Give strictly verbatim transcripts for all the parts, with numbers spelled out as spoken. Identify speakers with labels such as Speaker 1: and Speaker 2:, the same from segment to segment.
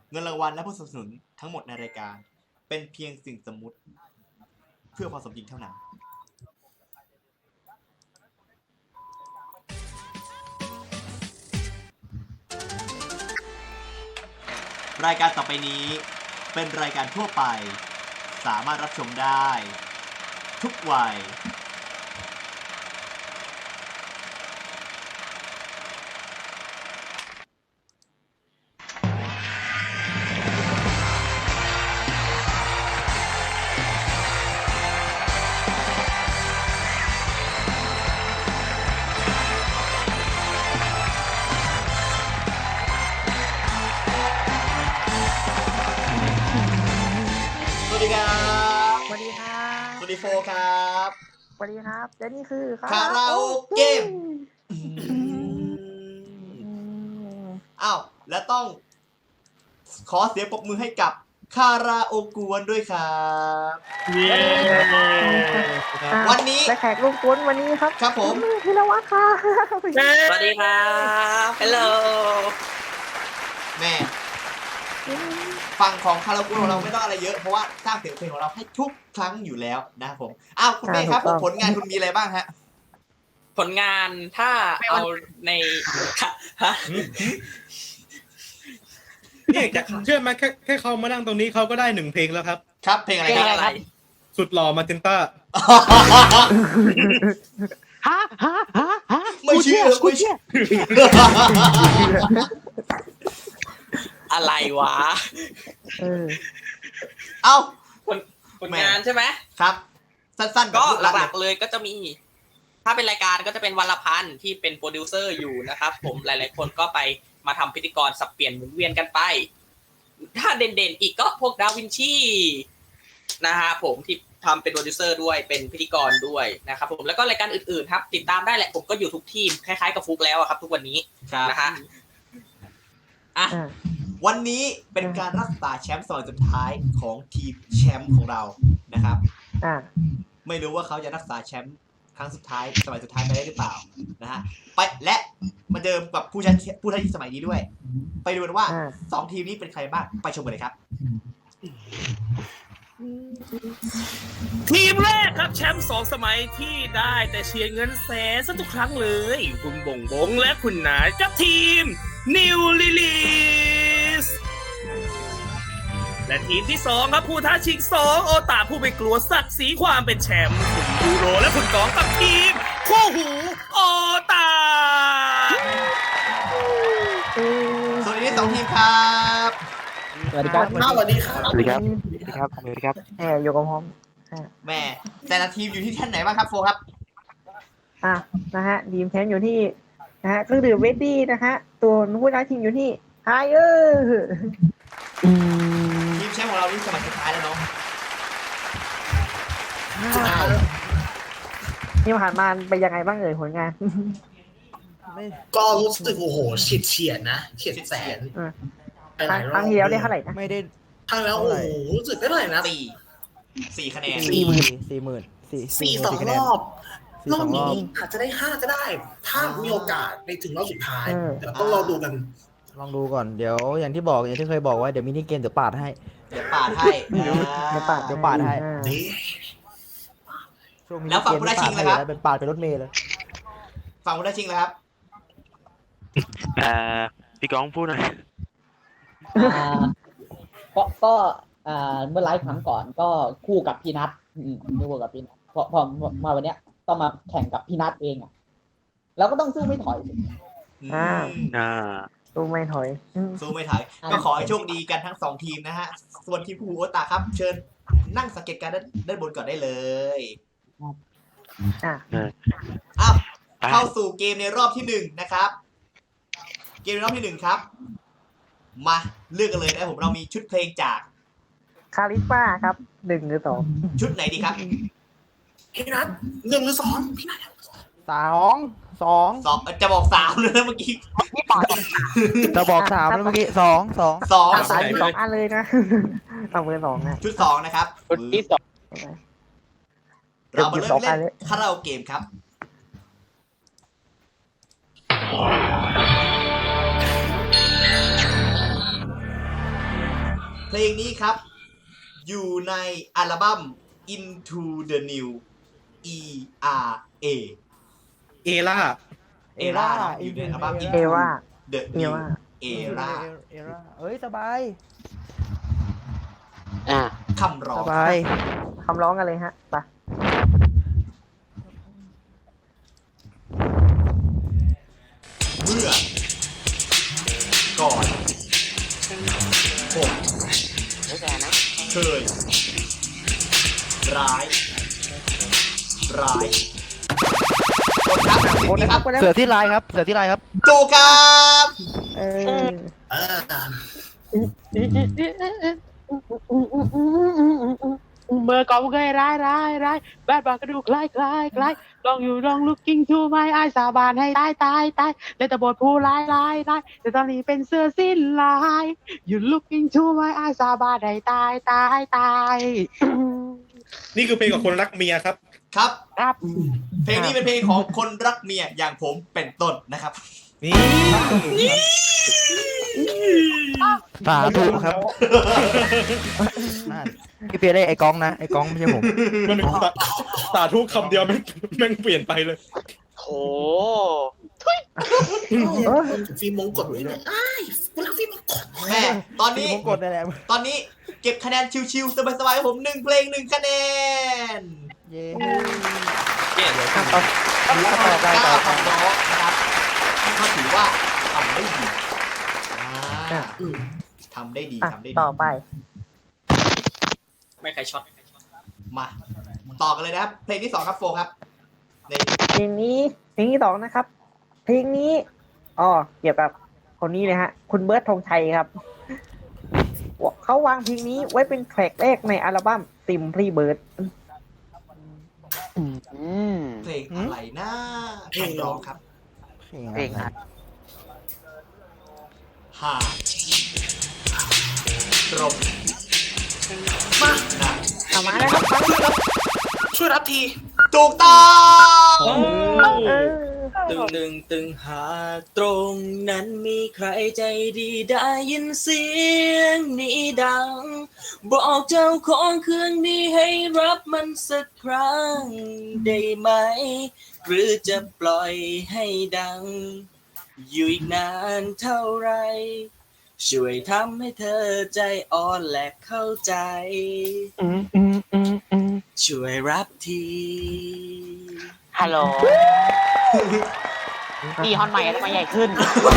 Speaker 1: เงินรางวัลและผู้สนับสนุนทั้งหมดในรายการเป็นเพียงสิ่งสมมุติเพื่อความสมจริงเท่านั้นรายการต่อไปนี้เป็นรายการทั่วไปสามารถรับชมได้ทุกวัยสวัสดีครับ
Speaker 2: สวัสดีครับ
Speaker 1: สวัสดีโฟครับ
Speaker 2: สวัสดีครับและนี่คือ
Speaker 1: คาราโอเกะอ้าวและต้องขอเสียงปรบมือให้กับคาราโอกวนด้วยครับวันนี้
Speaker 2: และแขกลูกกวนวันนี้ครับ
Speaker 1: ครับผม
Speaker 2: พิรวัตรค่ะ
Speaker 3: สวัสดีครับฮัลโหล
Speaker 1: แม่ฝั่งของคาราโอเกะของเราไม่ต้องอะไรเยอะเพราะว่าสร้างเสียงเพลงของเราให้ทุกครั้งอยู่แล้วนะครับผมอ้าวคุณเมฆครับผมผลงานคุณมีอะไรบ้างฮะ
Speaker 3: ผลงานถ้าเอาในฮะ
Speaker 4: เนี่ยจะเชื่อไหมแค่แค่เขามานั่งตรงนี้เขาก็ได้หนึ่งเพลงแล้วครับ
Speaker 1: ครับเพลงอะไร
Speaker 3: เพล
Speaker 1: ค
Speaker 3: ง
Speaker 1: รับ
Speaker 3: อะไร
Speaker 4: สุดหล่อมาเจนต้า
Speaker 2: ฮะฮะฮะฮะ
Speaker 1: ไม่เชื่อไม่เชื่อ
Speaker 3: อะไรวะ
Speaker 2: เออ
Speaker 1: เอ้า
Speaker 3: ผลผลงานใช่ไหม
Speaker 1: ครับ สั้นๆ
Speaker 3: ก็
Speaker 1: พูดรั
Speaker 3: หลักๆเลยก็จะมี ถ้าเป็นรายการก็จะเป็นวันละพันที่เป็นโปรดิวเซอร์อยู่นะครับ ผมหลายๆคนก็ไปมาทำพิธีกรสับเปลี่ยนหมุนเวียนกันไป ถ้าเด่นๆอีกก็พวกดาวินชีนะฮะผมที่ทำเป็นโปรดิวเซอร์ด้วยเป็นพิธีกรด้วยนะครับผมแล้วก็รายการอื่นๆครับ ติดตามได้แหละผมก็อยู่ทุกทีมคล้ายๆกับฟุกแล้วอะครับ ทุกวันนี้
Speaker 1: ครับ
Speaker 3: นะฮะอ่ะ
Speaker 2: อ่า
Speaker 1: วันนี้เป็นการรักษาแชมป์สมัยสุดท้ายของทีมแชมป์ของเรานะครับ
Speaker 2: อ่า
Speaker 1: ไม่รู้ว่าเขาจะรักษาแชมป์ครั้งสุดท้ายสมัยสุดท้ายไปได้หรือเปล่านะฮะไปและมาเดิมกับผู้ชนะผู้ท้าชิงสมัยนี้ด้วย ไปดูกันว่า
Speaker 2: อ่า
Speaker 1: สองทีมนี้เป็นใครบ้างไปชมกันเลยครับ
Speaker 5: ทีมแรกครับแชมป์สองสมัยที่ได้แต่เชียร์เงินแสนซะทุกครั้งเลย คุณบ่งบงและคุณนายกับทีม New Release และทีมที่สองครับผู้ท้าชิงสองโอตาผู้ไม่กลัวศักดิ์ศรีความเป็นแชมป์คุณยูโรและคุณกองกับทีมคู่หูโอตา
Speaker 1: ส่วนนี้สองทีมครับ
Speaker 2: สวัสดีครับ
Speaker 3: สวัสดีครับ
Speaker 2: สวัสดีครับ สวัสดีครับ สวัสดีครับแหมอยู่กับผมอ่า
Speaker 1: แม่แต่ละทีมอยู่ที่ท่านไหนบ้างครับโฟครับ
Speaker 2: อ่ะนะฮะทีมแชมป์อยู่ที่นะฮะเครื่องดื่มเวดดี้นะฮะตัวผู้ท้าชิงอยู่ที่ไฮเออร์
Speaker 1: ทีมแชมป์ของเรานี่สมัยสุดท้ายแล้วเนาะ
Speaker 2: นี่ผ่านมาไปยังไงบ้างเอ่ยผลงาน
Speaker 6: ก็รู้สึกโอ้โหเฉียดเฉียดนะเฉียดแสน
Speaker 2: อ่า
Speaker 6: ไปหลายร
Speaker 2: ค
Speaker 6: อ
Speaker 2: รั้
Speaker 6: บ
Speaker 2: งที่แล้วได้เท่าไหร่นะ
Speaker 7: ไม่ได้
Speaker 6: ครั้งแล้วโอ้โหรู้สึกได้เท่าไหร่นะ
Speaker 1: สี่สี่คะแนน
Speaker 7: สี่หมื่นสี่หมื่นสี่
Speaker 6: สี่สอง
Speaker 7: คะแน
Speaker 6: ร
Speaker 7: น
Speaker 6: อบ
Speaker 7: สี่
Speaker 6: รอ
Speaker 7: สอบ งร
Speaker 6: นี้
Speaker 7: อบ
Speaker 6: อาจจะได้ห้าก็ได้ ถ้ามีโอกาสไปถึงรอบสุดท้าย
Speaker 2: เออ
Speaker 6: เดี๋ยวต้องรอดูกัน
Speaker 7: ลองดูก่อนเดี๋ยวอย่างที่บอกอย่างที่เคยบอกไว้เดี๋ยวมินิเกมเดี๋ยวปาดให้
Speaker 1: เดี๋ยวปาดให้
Speaker 2: เดี๋ยวปาด
Speaker 7: เดี๋ยวปาดให้
Speaker 2: อ่า
Speaker 6: นี่
Speaker 7: ช่วงมินิ
Speaker 1: แล้วฝั่ง
Speaker 7: เกม
Speaker 1: ผู้ท้าชิง
Speaker 7: ปาด
Speaker 1: ล่ะครับ
Speaker 7: ให้เป็นปาดเป็นรถเมล์เลย
Speaker 1: ฝั่งผู้ท้าชิงแล้วครับ
Speaker 8: อ่าพี่ก้องพูดหน่อย
Speaker 9: อ่าก็ก็อ่าเมื่อไลฟ์ครั้งก่อนก็คู่กับพี่นัทอืมคู่กับพี่นัทพอพอมาวันเนี้ยต้องมาแข่งกับพี่นัทเองอ่ะเราก็ต้องสู้ไม่ถอยสิ
Speaker 2: อ่า
Speaker 8: อ่า
Speaker 2: ตู้ไม่ถอยอืม
Speaker 1: สู้ไม่ถอยก็ขอให้โชคดีกันทั้งสองทีมนะฮะ ส่วนทีมผู้หูโอตาครับ เชิญนั่งสังเกตการณ์ด้านด้านบนก่อนได้เลย
Speaker 2: อ่า
Speaker 1: อ้าว
Speaker 8: ไป
Speaker 1: เข้าสู่เกมในรอบที่หนึ่งนะครับ เกมในรอบที่หนึ่งครับ มาเลือกกันเลยนะผมเรามีชุดเพลงจาก
Speaker 2: คาริสมาครับหนึ่งหรือสอง
Speaker 1: ชุดไหนดีครับ
Speaker 6: พี่นัทหนึ่งหรือสองพี่นัท
Speaker 7: สองสอง
Speaker 1: สองจะบอกสามเลยนะเมื่อกี้
Speaker 7: จะบอกสามแล้วเมื่อกี้สองสอง
Speaker 1: สอง
Speaker 2: สามสองอันเลยนะ เอาเบอร์สองนะ
Speaker 1: ชุดสองนะครับ
Speaker 3: ชุดที่สอง
Speaker 1: เรามาเริ่ม
Speaker 2: สองอั
Speaker 1: เล่
Speaker 2: น
Speaker 1: น
Speaker 2: เลย
Speaker 1: คาราโอเกมครับ
Speaker 2: อ
Speaker 1: ลงนี้ครับ อยู่ในอัลบั้ม Into the New E R A
Speaker 4: เอล่า
Speaker 1: เอร่าอยู่ในอัลบั้ม
Speaker 2: เอ
Speaker 1: Into
Speaker 2: ว่า
Speaker 1: the
Speaker 2: เอ
Speaker 1: New
Speaker 2: ว่า
Speaker 1: Era
Speaker 7: เอร่าเอ้ยสบาย
Speaker 8: อ่า
Speaker 1: คำร้อ
Speaker 7: ส
Speaker 1: ง
Speaker 7: บาย
Speaker 2: คำร้องกันเลยฮะไป
Speaker 1: เมื่อ ก่อนผม
Speaker 8: ไม่แก่นะ
Speaker 1: เคย ร้าย ร้ายกดครับ
Speaker 2: โอ้นะ
Speaker 1: นี่
Speaker 2: ค
Speaker 1: ค
Speaker 2: รั
Speaker 1: รั
Speaker 2: บบ ก็ได้
Speaker 7: เสือที่ลายครับ เสือที่ลายครับ
Speaker 1: ถูกครับ
Speaker 2: เออ
Speaker 6: เออ
Speaker 8: เมื่อก่อนผมเคยร้ายร้ายร้ายแบดบอกกระดูกคล้ายคล้ายคล้ายลองอยู่ลอง looking to my eyes สาบานให้ตายตายตายเลยแต่บทผู้ร้ายร้ายร้ายแต่ตอนนี้เป็นเสื้อสิ้นลาย you looking to my eyes สาบานให้ตายตายตาย
Speaker 4: นี่คือเพลงของคนรักเมียครับ
Speaker 1: ครับ
Speaker 8: ครับ
Speaker 1: เพลงนี้เป็นเพลงของคนรักเมียอย่างผมเป็นต้นนะครับ
Speaker 4: นี่
Speaker 7: สาธุครับนั่นพี่เปียได้ไอ้กองนะ ไอ้กองไม่ใช่ผม
Speaker 4: มันสาสาธุคำเดียวแม่งแม่งเปลี่ยนไปเลย
Speaker 8: โห
Speaker 2: เออ
Speaker 6: ฟิล์มมงกฎไว้เลยอ้ายกูรักฟิล์มมงกฎ
Speaker 1: แม่ตอนนี้
Speaker 7: ผมกดได้แล้ว
Speaker 1: ตอนนี้เก็บคะแนนชิวๆสบายๆของผมหนึ่งเพลงหนึ่งคะแนน
Speaker 7: เย้
Speaker 3: เย้
Speaker 2: ต่อต่อต่อไปต่อ
Speaker 1: เก้า
Speaker 2: ไป
Speaker 1: คำร้องนะครับก็ถือว่าทำได้ดีอ่าทำได้ดี
Speaker 2: อ่ะ
Speaker 1: ทำได้ดี
Speaker 2: ต่อไป
Speaker 3: ไม่ใครช็อต
Speaker 1: มา ต่อกันเลยนะครับ เพลงที่สองครับโฟครับใน
Speaker 2: เพลงนี้เพลงที่สองนะครับ เพลงนี้อ๋อเกี่ยวกับคนนี้เลยฮะ คุณเบิร์ดธงชัยครับเขาวางเพลงนี้ไว้เป็นแทร็กแรกในอัลบั้ม Simply Bird
Speaker 8: อืม
Speaker 1: เพลงอะไรนะคำร้องครับ
Speaker 7: เพลงอะไร
Speaker 1: หาตรงมานะ
Speaker 2: เอามาแล้วครับฟังเลยครับ
Speaker 6: ช่วยรับที
Speaker 1: ถูกต้อง
Speaker 2: เออ
Speaker 3: ตึงตึงตึงหากตรงนั้นมีใครใจดีได้ยินเสียงนี้ดัง บอกเจ้าของเครื่องนี้ให้รับมันสักครั้งได้ไหม หรือจะปล่อยให้ดัง อยู่อีกนานเท่าไร ช่วยทำให้เธอใจอ่อนและเข้าใจ
Speaker 8: อืมอืมอืมอืม
Speaker 3: ช่วยรับที
Speaker 8: ฮัลโหลนี่ฮอนใหม่ทำไมใหญ่ขึ้น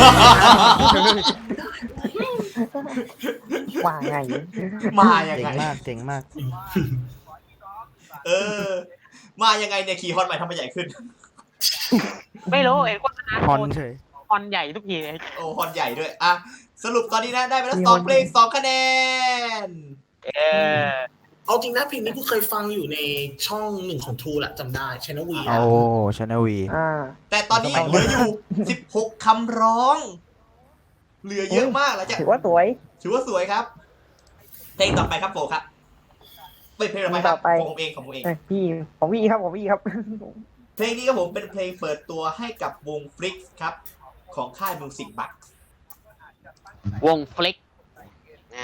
Speaker 2: ว่าไง
Speaker 1: มายัง
Speaker 7: เจ๋ง
Speaker 1: ไง
Speaker 7: มากเจ๋งมาก
Speaker 1: เออ มายังไงเนี่ยขี่ฮอนใหม่ทำไมใหญ่ขึ้น
Speaker 8: ไม่รู้เอ็นโฆษณา
Speaker 7: ฮอนเฉย
Speaker 8: ฮอนใหญ่ทุกทีเลย
Speaker 1: โอ้ฮอนใหญ่ด้วย อ่ะ สรุปตอนนี้นะ ได้ไปแล้วสองเพลงสองคะแนน
Speaker 8: เออ
Speaker 6: เอาจริงนะเพลงนี้กูเคยฟังอยู่ในช่องหนึ่งของทูแหละจำได้ชแนลวี
Speaker 7: โอ้ชาแนลวี
Speaker 2: อ่า
Speaker 1: แต่ตอนนี้เหลืออยู่สิบหกคำร้อง เหลือเยอะมากแล้วจ้ะ
Speaker 2: ถือว่าสวย
Speaker 1: ถือว่าสวยครับ เพลงต่อไปครับโฟครับเป็นเพลงต่อไปครับของผมเองของผมเอง
Speaker 2: เอ้ยพี่ของพี่ครับของพี่ครับ
Speaker 1: เพลงนี้ครับผมเป็นเพลงเปิดตัวให้กับวงฟลิกครับ ของค่ายมิวสิกบัค
Speaker 8: วงฟลิกอ่า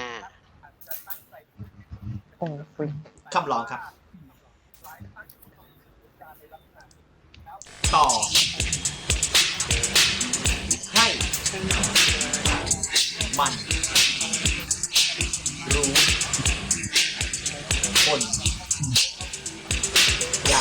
Speaker 2: โอ้ย
Speaker 1: คำร้องครับ ต่อ ให้ มัน รู้ คน อยาก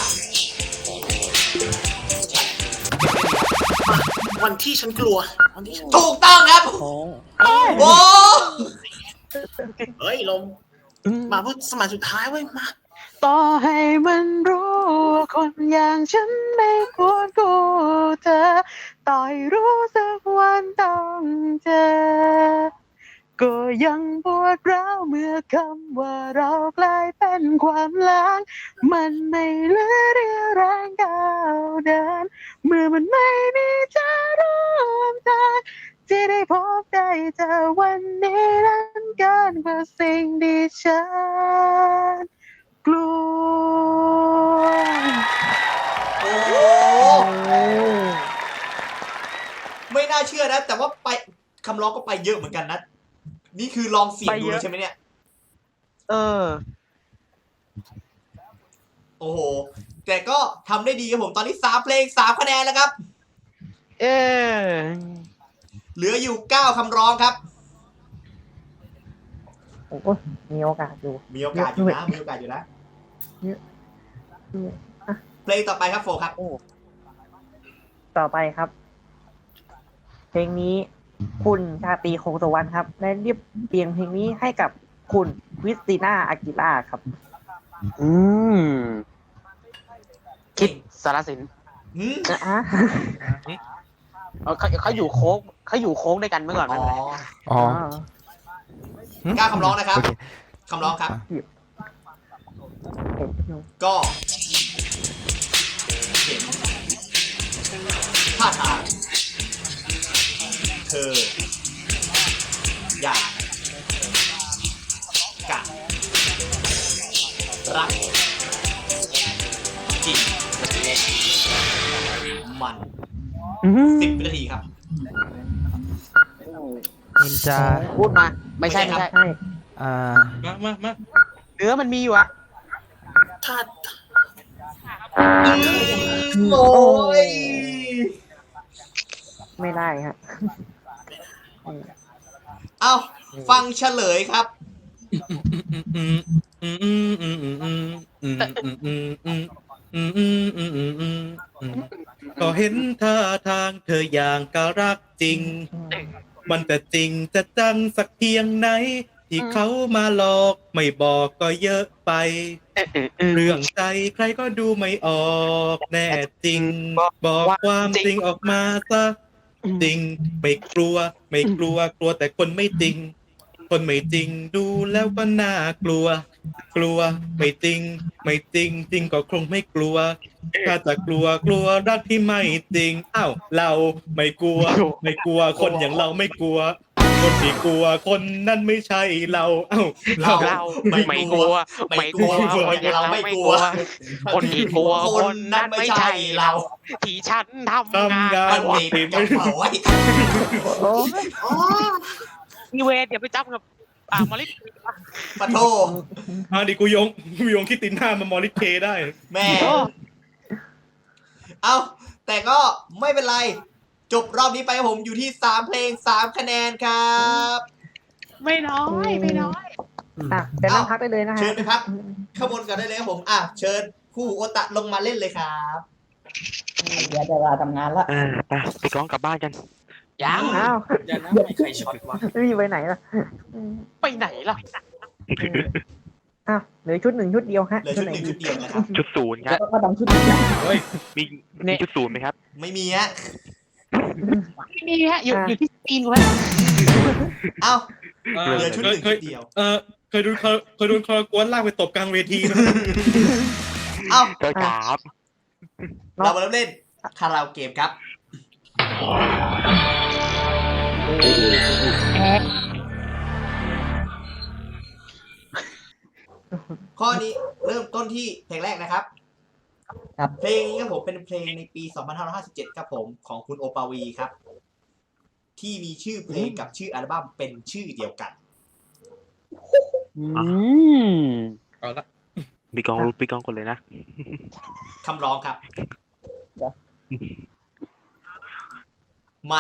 Speaker 6: วันที่ฉันกลัว วันที่ฉัน
Speaker 1: ถูกต้องครับ โอ้
Speaker 6: เฮ้ยลมมาเพื่อสมัยสุดท้ายเว้ยมา
Speaker 8: ต่อให้มันรู้ว่าคนอย่างฉันไม่ควรกูเธอ ต่อยรู้สักวันต้องเจอ ก็ยังปวดร้าวเมื่อคำว่าเรากลายเป็นความล้าง มันไม่เหลือเรี่ยวแรงก้าวเดิน เมื่อมันไม่มีจะร่วมทางที่ได้พบได้เจอวันนี้นั้นเกินกว่าสิ่งที่ฉันกลัว
Speaker 1: โอ้ไม่น่าเชื่อนะ แต่ว่าไปคำร้องก็ไปเยอะเหมือนกันนะ นี่คือลองเสียงดูเลยใช่ไหมเนี่ย
Speaker 8: เออ
Speaker 1: โอ้โห แต่ก็ทำได้ดีครับผมตอนนี้สามเพลงสามคะแนนแล้วครับ
Speaker 8: เออ
Speaker 1: เหลืออยู่เก้าคำร้องครับ
Speaker 2: โอ้โหมีโอกาสอยู่
Speaker 1: มีโอกาสอยู่นะมีโอกาสอยู่นะ
Speaker 2: เยอะด้วยอ่ะ
Speaker 1: เพลงต่อไปครับโฟครับ
Speaker 2: โอ้ต่อไปครับ เพลงนี้คุณชาตรีคงสุวรรณครับได้เรียบเรียงเพลงนี้ให้กับคุณคริสติน่าอากิล่าครับ
Speaker 8: อืม คิดสารสิน
Speaker 1: หืม
Speaker 2: อ่ะ
Speaker 8: เออเขาเขาอยู่โค้งเขาอยู่โค้งด้วยกันเมื่อก่อน
Speaker 1: อ๋
Speaker 8: ไม่
Speaker 1: อ
Speaker 8: เป็นไร
Speaker 7: อ๋อ
Speaker 1: เก้าคำร้องนะครับ
Speaker 7: โอเค
Speaker 1: คำร้องครับ
Speaker 2: เห็นอยู่
Speaker 1: ก็เห็นท่าทางเธอ อยากกะรักจริงมัน
Speaker 8: อืม
Speaker 1: สิบวินาทีครับ
Speaker 7: นินจา
Speaker 8: พูดมา ไม่ใช่
Speaker 1: ไม่
Speaker 8: ไม่
Speaker 1: ใช่
Speaker 8: ใช่
Speaker 2: ใช่
Speaker 7: อ่า
Speaker 4: มามามา
Speaker 8: เนื้อมันมีอยู่อะ
Speaker 6: ถ้า
Speaker 1: โอ้ย
Speaker 2: ไม่ได้ฮะ
Speaker 1: เอาฟังเฉลยครับ
Speaker 4: อืมอืมอืมอืมอืมอืมอืมอืมอืมอืมอืมอืมอืมอืมอืมอืมก็เห็นท่าทางเธออย่างกะรักจริง มันจะจริงจะจังสักเพียงไหน ที่เขามาหลอกไม่บอกก็เยอะไป
Speaker 8: เออเออเออ
Speaker 4: เรื่องใจใครก็ดูไม่ออกแน่จริง บอกความจริงออกมาซะจริงไม่กลัว ไม่กลัวกลัวแต่คนไม่จริง คนไม่จริงดูแล้วก็น่ากลัว กลัวไม่จริง ไม่จริง จริงก็คงไม่กลัว ถ้าจะกลัวกลัวรักที่ไม่จริงอ้าวเราไม่กลัว ไม่กลัวคนอย่างเราไม่กลัว คนที่กลัวคนนั้นไม่ใช่เราเอ้าเรา
Speaker 8: เราไม่กลัว ไม่กลัวคนอย่างเราไม่กลัว คนที่กลัวคนนั้นไม่ใช่เรา ที่ฉันทำ
Speaker 4: ทำ
Speaker 8: งาน
Speaker 4: งาน
Speaker 1: มันเด็กจังเผาไว้
Speaker 2: โอ้ย
Speaker 8: อีเวนเดี๋ยวไปจับกับ อ่ามาลิส
Speaker 1: ปะโท
Speaker 4: อ่าดิกูยงกูยงคิดตินหน้ามามอริเคได้
Speaker 1: แม่ เอาแต่ก็ไม่เป็นไร จบรอบนี้ไปครับผมอยู่ที่สามเพลงสามคะแนนครับ
Speaker 8: ไม่น้อยไม่น้อย
Speaker 2: อ่ะเดี๋ยวนั่งพักได้เลยนะฮะ
Speaker 1: เชิญไปพักข้างบนกันได้เลยครับผมอ่ะเชิญคู่โอตะลงมาเล่นเลยครับ
Speaker 9: เดี๋ยวจะเวลาทำงานละ
Speaker 10: อ่าไปไปกล้องกลับบ้านกัน
Speaker 8: ยัง
Speaker 2: อ้าว
Speaker 3: เดี๋ยวนะไม่ใครช็อตวะ
Speaker 2: ไม่มีไปไหนล่ะอืม
Speaker 8: ไปไหนล่ะ
Speaker 2: อ้าวเหลือชุดหนึ่งชุดเดียวฮะ
Speaker 1: เหลือชุดหนึ่งชุดเดียวนะครับ
Speaker 10: ชุดศูนย์ครับ
Speaker 9: ก็ดังชุดนี้
Speaker 4: เฮ้ย
Speaker 10: มีมีชุดศูนย์ไหมครับ
Speaker 1: ไม่มีฮะ
Speaker 8: ไม่มีฮะอยู่อยู่ที่สกรีนไว้
Speaker 1: เอ้า
Speaker 4: เอ
Speaker 1: เหลื
Speaker 4: อ
Speaker 1: อชุด
Speaker 4: เค
Speaker 1: ห
Speaker 4: ย
Speaker 1: นึ่ง
Speaker 4: เค
Speaker 1: ชุ
Speaker 4: ย
Speaker 1: ดเดียว
Speaker 4: เออเคยดูเคยเคยโดนคารากวนลากไปตบกลางเวทีไหม
Speaker 1: เอ้า
Speaker 10: ก็ครับ
Speaker 1: เรามาเริ่มเล่นคาราโอเกะครับ ข้อนี้เริ่มต้นที่เพลงแรกนะครับ
Speaker 9: ครับ
Speaker 1: เพลงนี้ครับผมเป็นเพลงในปี สองพันห้าร้อยห้าสิบเจ็ด ครับผมของคุณโอปาวีครับ ที่มีชื่อเพลงกับชื่ออัลบั้มเป็นชื่อเดียวกัน
Speaker 8: อืม
Speaker 4: เอาละ
Speaker 10: ปีกองปีกองคนเลยนะ
Speaker 1: คำร้องครับ ไม่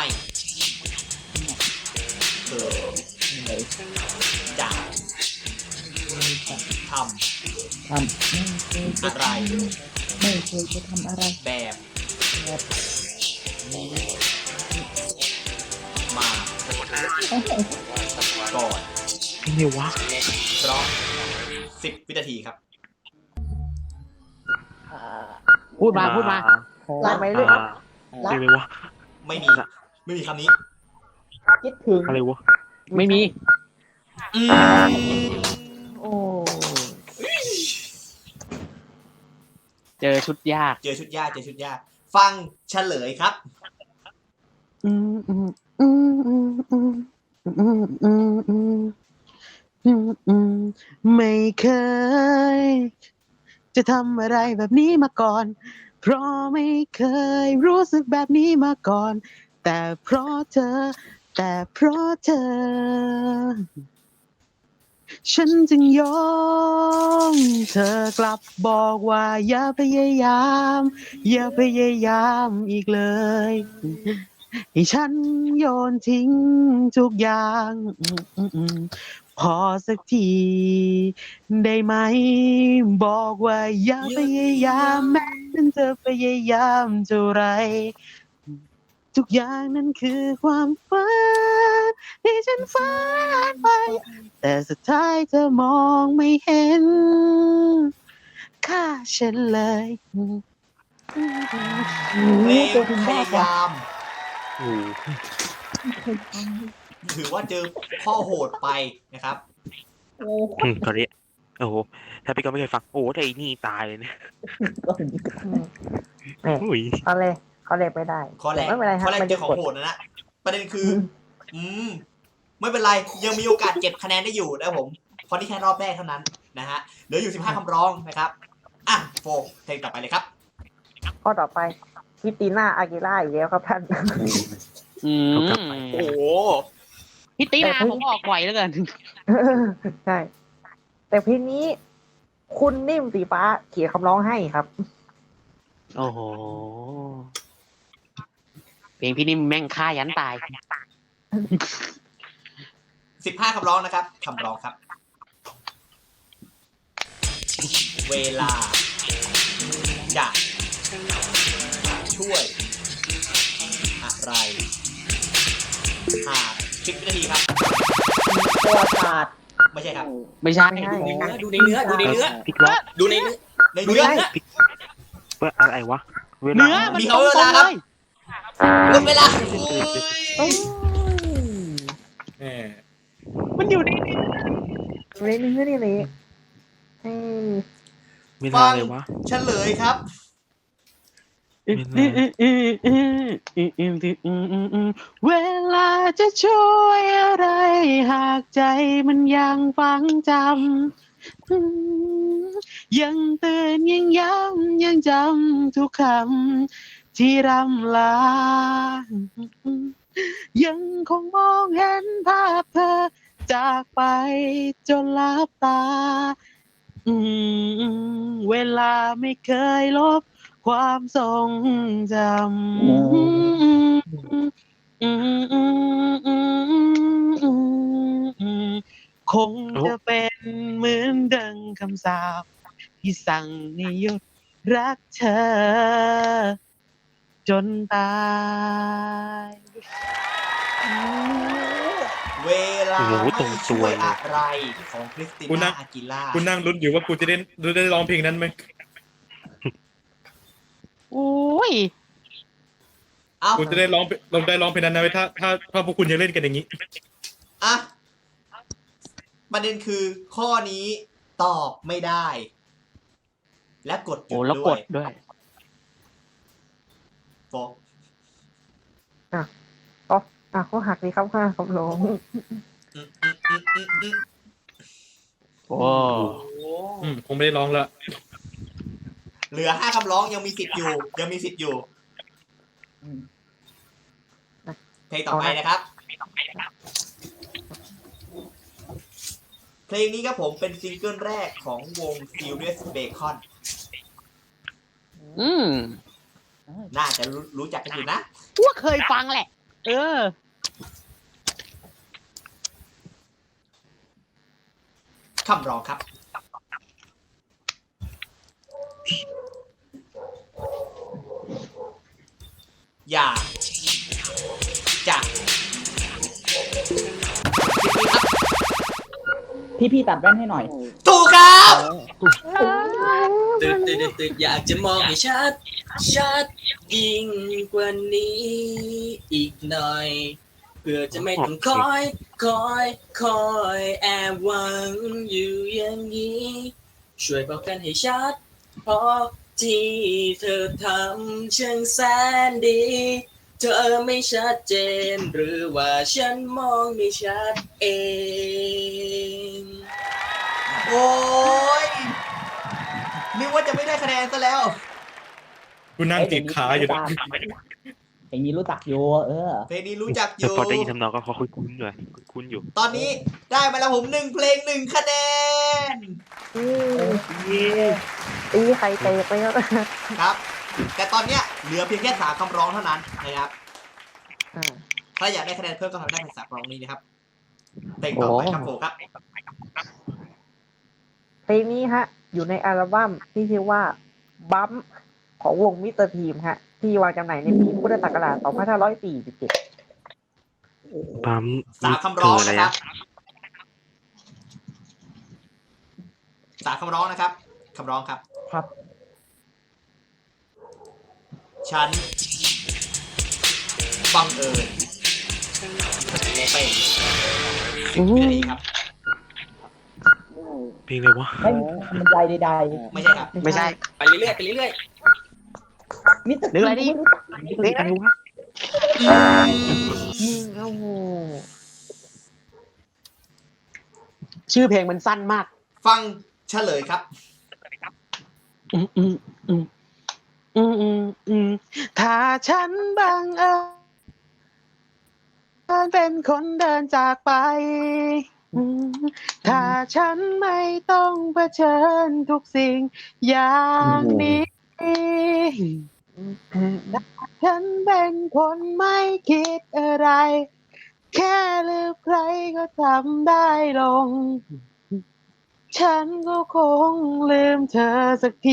Speaker 1: เคยจะท
Speaker 9: ทำ
Speaker 1: ำอะไร
Speaker 9: ไม่เคยจะทำอะไร
Speaker 1: แบบนี้มาก่อน
Speaker 10: นี่วะ
Speaker 1: เพราะสิบวินาทีครับ
Speaker 8: พูดมาพูดมา
Speaker 2: ลากไปเรื่อย
Speaker 10: อ่าเรียกว่า
Speaker 1: ไม่มี ไม่มีคำนี้
Speaker 9: คิดถึง
Speaker 10: อะไรวะ
Speaker 8: ไม่มี
Speaker 1: อืม
Speaker 2: โอ้
Speaker 8: เจอชุดยาก
Speaker 1: เจอชุดยากเจอชุดยาก ฟังเฉลยครับ
Speaker 8: อืมอืมอืมอืมอืมอืมอืมอืมอืมอืมไม่เคย จะทำอะไรแบบนี้มาก่อน เพราะไม่เคยรู้สึกแบบนี้มาก่อน แต่เพราะเธอ แต่เพราะเธอฉันจึงยอมเธอกลับบอกว่าอย่าพยายามอย่าพยายามอีกเลยให้ฉันโยนทิ้งทุกอย่างพอสักทีได้ไหมบอกว่าอย่าพยายามแม้มันจะพยายามเท่าไรทุกอย่างนั้นคือความฝันที่ฉันฝันไปแต่สุดท้ายเธอมองไม่เห็นค่าฉันเลย
Speaker 1: เพลงพยายาม
Speaker 10: โอ้โห
Speaker 1: ถือว่าเจอข้อโหดไปนะครับ
Speaker 10: อืมตอนนี้โอ้โหถ้าพี่กองไม่เคยฟังโอ้โหแต่อีนี่ตายเลยเนี่ย
Speaker 2: นี่
Speaker 10: อุ้ย
Speaker 2: เขาเลยเขาเลยไม่ได้
Speaker 1: ข้อแรก
Speaker 2: ไม่เป็นไรครั
Speaker 1: ข้
Speaker 2: บ
Speaker 1: อแรก
Speaker 2: ไม่
Speaker 1: เจ
Speaker 2: ได้
Speaker 1: อของ
Speaker 2: กด
Speaker 1: โหดนะนะประเด็นคือ อืมไม่เป็นไรยังมีโอกาสเก็บคะแนนได้อยู่นะครับผมเพราะนี่แค่รอบแรกเท่านั้นนะฮะเหลืออยู่สิบห้าคำร้องนะครับอ่ะโฟกเพลงต่อไปเลยครับ
Speaker 2: ข้อต่อไปคริสติน่าอากิล่าอีกแล้วครับท่าน
Speaker 8: อืม
Speaker 3: โอ้โห
Speaker 8: พี่ตีนาผมออกไหวแล้วกัน
Speaker 2: ใช่ แต่เพลงนี้ คุณนิ่มสีฟ้าเขียนคำร้องให้ครับ
Speaker 10: โอ้โห
Speaker 8: เพลงพี่นิ่มแม่งฆ่ายันตาย
Speaker 1: สิบห้าคำร้องนะครับคำร้องครับ เวลาจะช่วยอะไรหากสิบวินาทีครับ
Speaker 9: ประวัติศาสตร์
Speaker 1: ไม่ใช่ครับ
Speaker 8: ไม่ใช่
Speaker 2: ไม่ใช่
Speaker 3: ดูในเนื้อดูในเนื้อดูในเนื้อ
Speaker 10: พี่ว่า
Speaker 3: ดูในเนื้อ
Speaker 1: ในเนื้อ
Speaker 10: ว่าอะไรวะเวลา
Speaker 8: เนื้อมัน
Speaker 1: มี
Speaker 8: ต
Speaker 1: เขา
Speaker 8: รง
Speaker 1: เวลา
Speaker 8: ๆ
Speaker 1: ค
Speaker 8: เล
Speaker 1: รับ
Speaker 8: ย
Speaker 1: หมดเวลา
Speaker 4: แหม
Speaker 8: มันอยู่ใน
Speaker 2: เรนนี่นี่เลยเอ้ย
Speaker 10: เวลาอะไรวะ
Speaker 1: เฉลยครับ
Speaker 8: เวลาจะช่วยอะไร หากใจมันยังฟังจำยังเตือนยังย้ำยังจำทุกคำที่รำลา ยังคงมองเห็นภาพเธอจากไปจนลับตา อืมเวลาไม่เคยลบความทรงจำอืมอืมอืมอืมอืมคงจะเป็นเหมือนดังคำสาปที่สั่งให้หยุดรักเธอ จนตาย
Speaker 1: เวลาไม่ช่วยอะไรของคริสติน่าอากิล่า
Speaker 4: กูนั่งลุ้นอยู่ว่ากูจะได้ได้ร้องเพลงนั้นไหม
Speaker 8: โอ้ย
Speaker 1: เอ้า
Speaker 4: กูจะได้ร้องลองได้ร้องเพลงนั้นนะเว้ยถ้าถ้าถ้าพวกคุณยังเล่นกันอย่างนี้
Speaker 1: อ่ะประเด็นคือข้อนี้ตอบไม่ได้ และกดหยุ
Speaker 8: โอ้
Speaker 1: ด
Speaker 8: แล้ว
Speaker 1: ด้
Speaker 8: ก
Speaker 1: วย
Speaker 8: ดด้วย
Speaker 1: โฟก
Speaker 2: อ่ะเขาหักเลยครับค่ะคำร้อง
Speaker 1: อืมอืมอืมอืมอืม
Speaker 8: โอ้
Speaker 4: อืมคงไม่ได้ร้องละ
Speaker 1: เหลือห้าคำร้องยังมีสิทธิ์อยู่ ยังมีสิทธิ์อยู่ เพลงต่อไปนะครับ เพลงนี้ครับผมเป็นซิงเกิลแรกของวง Serious Bacon
Speaker 8: อืม
Speaker 1: น่าจะรู้รู้จักกันอยู่นะ
Speaker 8: ว่าเคยฟังแหละ เออ
Speaker 1: คำร้องครับ อย่าจะ
Speaker 9: พี่พี่ตัดแว่นให้หน่อย
Speaker 1: ถูกครับ
Speaker 3: ตึกตึกตึกอยากจะมองให้ชัด ชัดยิ่งกว่านี้อีกหน่อย เพื่อจะไม่ต้องคอย คอย คอยแอบหวังอยู่อย่างนี้ ช่วยบอกกันให้ชัด เพราะที่เธอทำช่างแสนดี เธอไม่ชัดเจน หรือว่าฉันมองไม่ชัดเอง
Speaker 1: โอ้ยนึกว่าจะไม่ได้คะแนนซะแล้ว
Speaker 4: กูนั่งติดขาอยู่นะ
Speaker 9: เพลงนี้รู้จักอยู่เออ
Speaker 1: เพลงนี้รู้จักอ
Speaker 10: แต่
Speaker 1: ยู่
Speaker 10: พอได้ยินทำนองก็เขาคุ้นๆด้วยคุ้นๆอยู่
Speaker 1: ตอนนี้ได้มาแล้วผมหนึ่งเพลงหนึ่งคะแนน
Speaker 2: ตีไข่เตะไปแล้ว
Speaker 1: ครับ แต่ตอนเนี้ยเหลือเพียงแค่สามคำร้องเท่านั้นนะครับ
Speaker 2: อ่า
Speaker 1: ถ้าอยากได้คะแนนเพิ่มก็ทำได้เป็นสามคำร้องนี้นะครับเพลงต่อไปครับผมครับ
Speaker 2: เพลงนี้ฮะ อยู่ในอัลบั้มที่ชื่อว่าบัมของวงมิสเตอร์ทีมฮะ ที่วางจำหน่ายในปีพุทธศักราชสองพันห้าร้อยสี่สิบเจ็ด
Speaker 10: ปั๊ม
Speaker 1: สามคำร้อง
Speaker 10: อะไร
Speaker 1: นะครับ
Speaker 10: อะ
Speaker 1: สามคำร้องนะครับคำร้องครับ
Speaker 9: ครับ
Speaker 1: ฉันบังเอิญเป็นวินาทีครับ
Speaker 10: เพลงอะไรวะ
Speaker 9: ไม่มีคำบรรยายใด
Speaker 1: ไม่ใช่ครับ
Speaker 8: ไม่ใช่
Speaker 3: ไปเรื่อยๆไปเรื่อย
Speaker 9: ๆมิสเตอร์
Speaker 8: หรืออะไรดิ
Speaker 9: เพลงอะไรวะ
Speaker 2: โอ้โห
Speaker 8: ชื่อเพลงมันสั้นมาก
Speaker 1: ฟังเฉลยครับ
Speaker 8: อืมอืมอืมอืมอืมอืมถ้าฉันบังเอิญเป็นคนเดินจากไปอืมถ้าฉันไม่ต้องเผชิญทุกสิ่งอย่างนี้ ฉันเป็นคนไม่คิดอะไร แค่ลืมใครก็ทำได้ลง ฉันก็คงลืมเธอสักที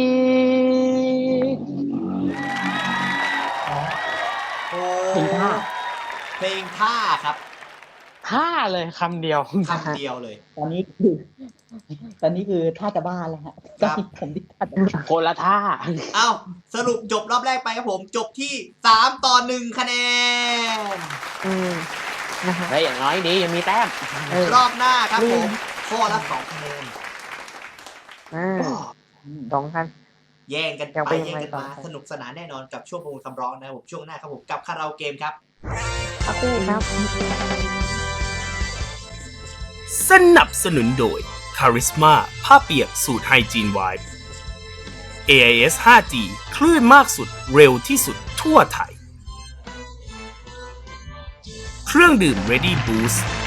Speaker 1: โอ้
Speaker 9: เพลงท่า
Speaker 1: เพลงท่าครับ
Speaker 8: ท่าเลยคำเดียว
Speaker 1: คำเดียวเลย
Speaker 9: ตอนนี้คือ ตอนนี้คือท่าจะบ้าแล้วฮะ
Speaker 1: ครับ
Speaker 9: ผมที่ท่าจะบ้า
Speaker 8: คนละท่า
Speaker 1: เอ้าสรุปจบรอบแรกไปครับผม จบที่สามต่อหนึ่งคะแนน
Speaker 2: อืมนะฮะ
Speaker 8: เฮ้ยอย่างน้อยดียังมีแต้ม
Speaker 2: เออ
Speaker 1: รอบหน้าครับผมข้อละสองคะแนน
Speaker 2: อ่าสองพัน
Speaker 1: แย่งกัน
Speaker 2: ยัง
Speaker 1: ไป
Speaker 2: ไปยัง
Speaker 1: แย่ง
Speaker 2: ไง
Speaker 1: กัน
Speaker 2: ต่อ
Speaker 1: มาสนุกสนานแน่นอนกับช่วงประมูลคำร้องนะครับผมช่วงหน้าครับผมกับคาราโอเกมครับ
Speaker 2: ครับพี่ครับ
Speaker 5: สนับสนุนโดย Charisma ผ้าเปียกสูตรไฮจีนไวท์ เอ ไอ เอส ห้าจี คลื่นมากสุดเร็วที่สุดทั่วไทย เครื่องดื่ม Ready Boost